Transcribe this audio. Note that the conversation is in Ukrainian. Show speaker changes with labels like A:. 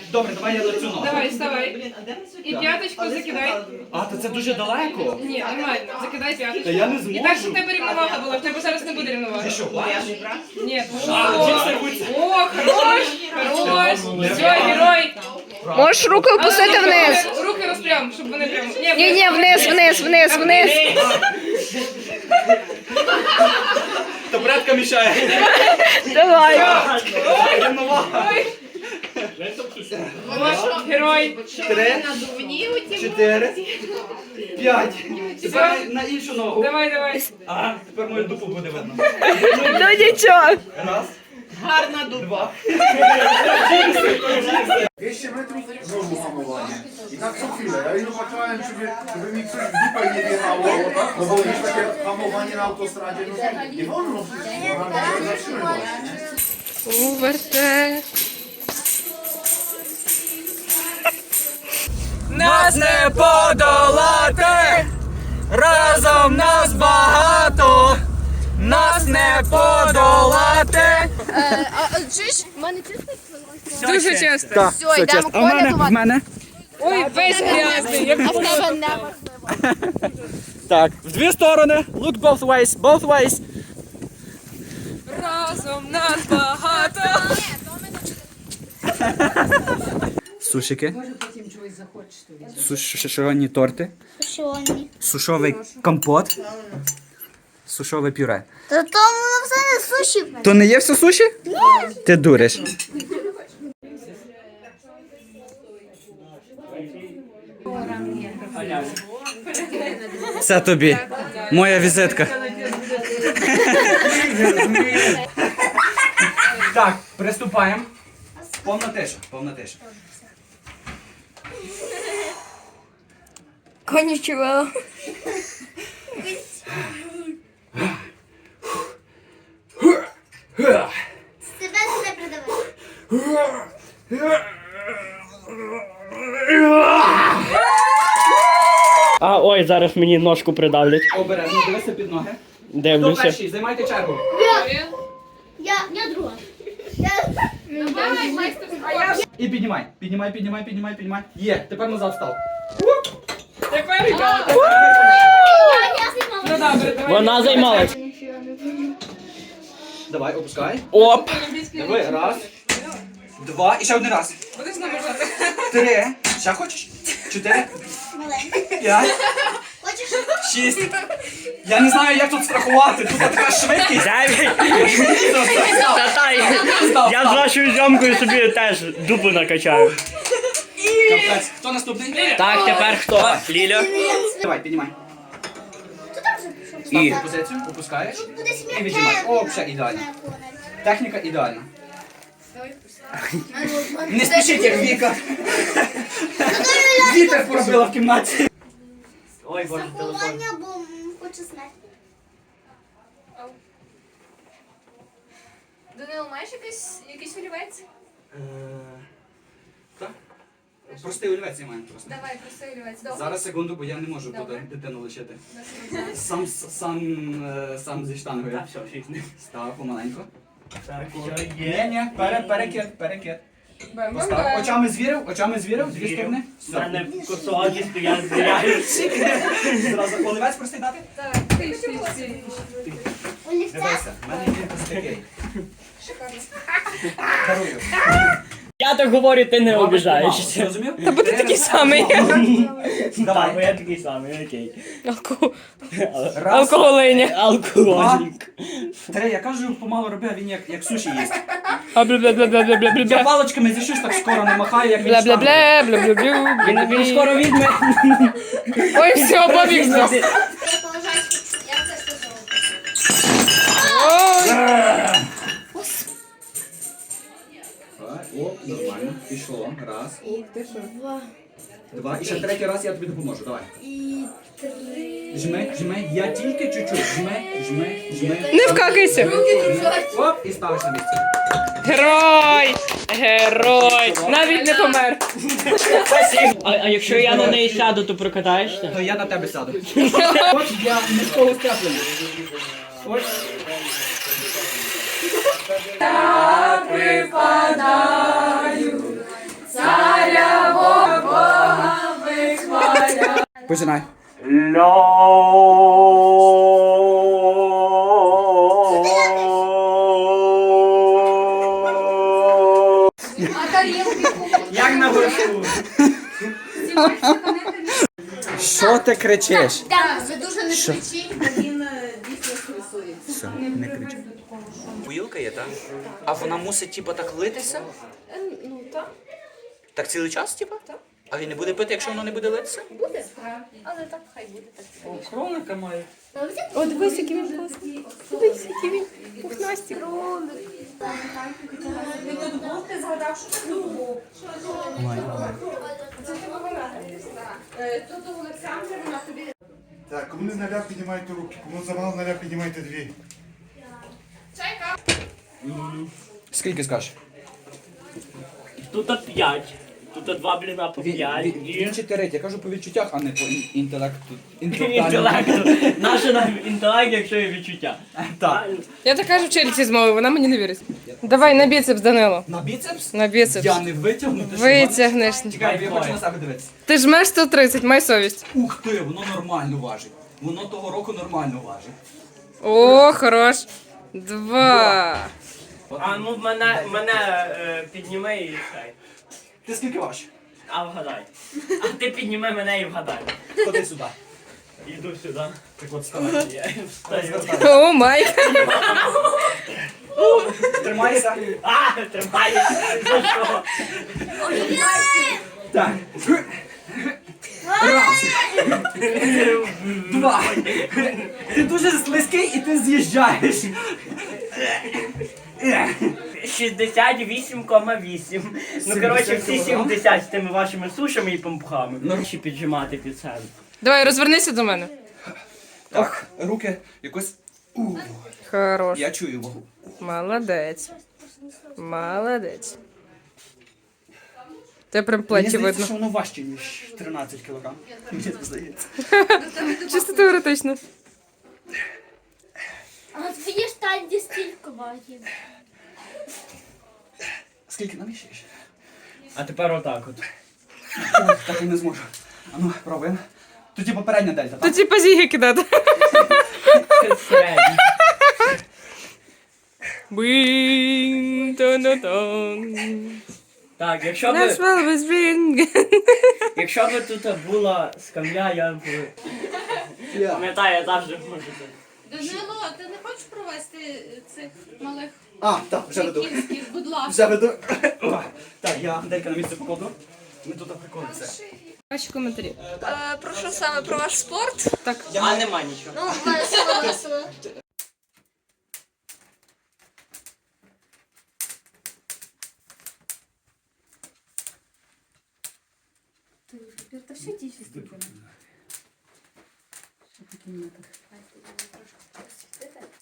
A: Добре, давай я лицю ногу.
B: Давай, вставай. І п'яточку закидай.
A: А, то це дуже далеко.
B: Ні, нормально. Закидай п'яточку.
A: Та я не зможу.
B: І так, щоб в тебе рівновага була. В тебе зараз не буде рівноваги.
A: Ти що, плачеш?
B: Ні.
A: Джинси рвуться.
B: О, хорош, хорош. Все, герой.
C: Можеш руки опустити вниз.
B: Руки розпрям, щоб вони прямо.
C: Ні, вниз.
A: То братка мішає.
C: Давай.
A: Рівновага.
B: Герой.
A: 3, 4, 5. Тепер на іншу ногу.
B: Давай.
A: А, тепер мою дупу буде видно.
C: Ну нічого.
A: Раз. Гарна дупа.
D: 200 metrów znowu hamowanie. I tak co chwilę. Ja już patrzyłem, żeby mi coś w dupę nie wjechało, no bo jest takie hamowanie na autostradzie, no nie wolno przecież, bo nam się zatrzymywać.
C: Уверте.
A: Нас не подолати, разом нас багато, нас не подолати.
C: Чуєш, в мене чисто?
B: Дуже часто.
A: Так,
C: Все, йдемо
A: а в мене, в мене.
B: Ой, весь грязний. Як
C: А в тебе не.
A: Так, в дві сторони. Look both ways, both ways.
B: разом нас багато.
A: Сушики. Сушені торти. Сушовий компот. Сушове пюре.
E: Та то воно все не суші.
A: То не є все суші? Ні. Ти дуриш. Це тобі. Моя візитка. Так, приступаємо. Повна тиша, повна тиша.
C: Конічого.
E: Тебе сюди придавай.
F: А, ой, зараз мені ножку придавлять.
A: Обережно, дивися під ноги. Хто
F: Дивлюся.
A: перший? Займайте чергу.
E: Я друга.
A: І піднімай. Піднімай. Є, тепер назад став.
B: Тепер я.
E: Я
B: Ну добре, давай.
F: Вона займалась.
A: Давай, опускай.
F: Оп!
A: Диви, раз. Два. І ще один раз.
B: Будеш нам бажати?
A: 3. Ще хочеш? 4. 5.
E: Хочеш?
A: 6. Я не знаю, як тут страхувати. Тут така швидкість. Став.
F: Я з вашою зйомкою собі теж дупу накачаю.
A: Капець. Хто наступний?
F: Так, тепер хто? Ліля.
A: Давай, піднімай.
E: Ти там вже пішов?
A: Став позицію, опускаєш.
E: Буде
A: І віджимай. О, все, ідеально. Техніка ідеальна. Не спішіть, як Віка. Вітер пробила в кімнаті.
F: Ой, боже, телефон.
E: Заховання, бо хочу знати.
C: Данило, маєш якийсь олівець?
A: Так? Простий олівець я маю просто.
C: Давай, простий олівець. Добре.
A: Зараз секунду, бо я не можу
C: Добре.
A: дитину лишити. Сам зі штангою.
F: Так, все, фікс.
A: Став помаленьку.
F: Так,
A: Ні, перекид.
B: Бем-бем-бем.
A: Постав. Очами звірив, дві сторони.
F: У мене косогі стоять, звіряють.
A: Зразу олівець простий дати?
B: Так, ти.
E: Олівця?
A: Дивися, в мене є ось такий. Дарую.
F: Я так говорю, ти не обіжаєшся.
A: Розумів?
B: Та буде такий самий.
F: Так, бо
A: Давай.
F: я такий самий, окей.
A: Раз,
B: Алкоголиня.
F: Алкоголік.
A: 3. Я кажу, помалу роби, а він як суші їсть.
B: А бля-бля-бля-бля-бля-бля-бля.
A: Я паличками зі щось так скоро не махаю, як він штангою.
B: Бля-бля-бля-бля-бля.
F: Він скоро візьме.
B: Ой, все, побігся.
E: Я поважаю. Я це стосовую.
B: Ой.
A: Оп, нормально. Пішло. Раз. Два. І ще третій раз я тобі допоможу. Давай.
E: І 3.
A: Жми. Я тільки чуть-чуть. Жми.
B: Не вкакайся.
A: Оп, і ставиш на місце.
B: Герой. Навіть не помер.
F: А якщо я на неї сяду, то прокатаєшся?
A: То я на тебе сяду. От я міського степлення. Ось.
B: Припадаю,
A: Починай.
F: Як на горшку.
A: Що ти кричиш?
C: Ви дуже не кричіть, бо він дійсно стресується.
A: Все, не кричи. Поїлка є, так? А вона мусить, типу, так литися?
C: Ну, так.
A: Так цілий час, типу? Так. А він не буде пити, якщо воно не буде литися?
C: Буде. Але так хай буде так.
F: Кроника має.
C: О, дивись, який він класний. Дивись, який він пухнастик. Він тут був, ти згадав, що це тут був. Це ти говорила. Тут у Олександра, вона тобі...
D: Так, кому не наляп, піднімайте руки. Кому замало наляп, піднімайте дві.
C: Чайка.
A: Скільки скажеш?
F: Тут 5. Тут 2 бліна по 5.
A: Він 4, я кажу по відчуттях, а не по інтелекту.
F: Інтелекту. Наше нам інтелект, якщо є відчуття.
A: Так.
B: Я така ж вчительці з мови, вона мені не вірить. Давай на біцепс, Данило.
A: На біцепс?
B: На біцепс.
A: Я не витягну. ти що,
B: Витягнеш.
A: Чекай, я хочу на себе дивитися.
B: Ти жмеш 130, май совість.
A: Ух ти, воно нормально важить. Воно того року нормально важить.
B: О, хорош. 2.
F: А ну мене підніми і хай.
A: Ти скільки важиш?
F: А вгадай. А ти підніми мене і вгадай.
A: Ходи сюди.
F: Іду сюди.
A: Так от вставай.
F: Я встаю.
B: О, май.
A: Тримайся.
F: А, тримай. За що?
A: Так. Раз. Два. Ти дуже слизький і ти з'їжджаєш.
F: 68,8. Ну, коротше, всі 70 з тими вашими сушами і пампухами. Ну, ще піджимати під себе.
B: Давай, розвернися до мене.
A: Так, руки якось.
B: Хорош.
A: Я чую вагу.
B: Молодець. Молодець. Тебе прям
A: Мені
B: плечі
A: здається,
B: видно.
A: що воно важче, ніж 13 кг. Мені так здається.
B: Чисто теоретично.
E: А твої штанді стільки вагів.
A: Скільки наміщаєш?
F: А тепер отак от.
A: Ой, так я не зможу. А ну, пробуємо. Тут попередня дельта,
B: То
A: так?
B: типа зіги кидати.
F: Середній.
B: Бing, тон-тон.
F: Так,
B: Let's roll with ring.
F: якщо б тут була скам'я, я б... Пам'ятаю, я завжди можу це.
C: Данило, ти не хочеш провести цих малих
A: А, так, вже веду.
C: кінських, будь ласка.
A: Вже веду. Так, я делька на місце покладу. Ми тут приколимося.
B: Ваші коментарі.
C: Про що саме? Про ваш спорт?
B: Так.
F: А нема нічого.
E: Ну, весело, весело.
C: Та все ті стільки.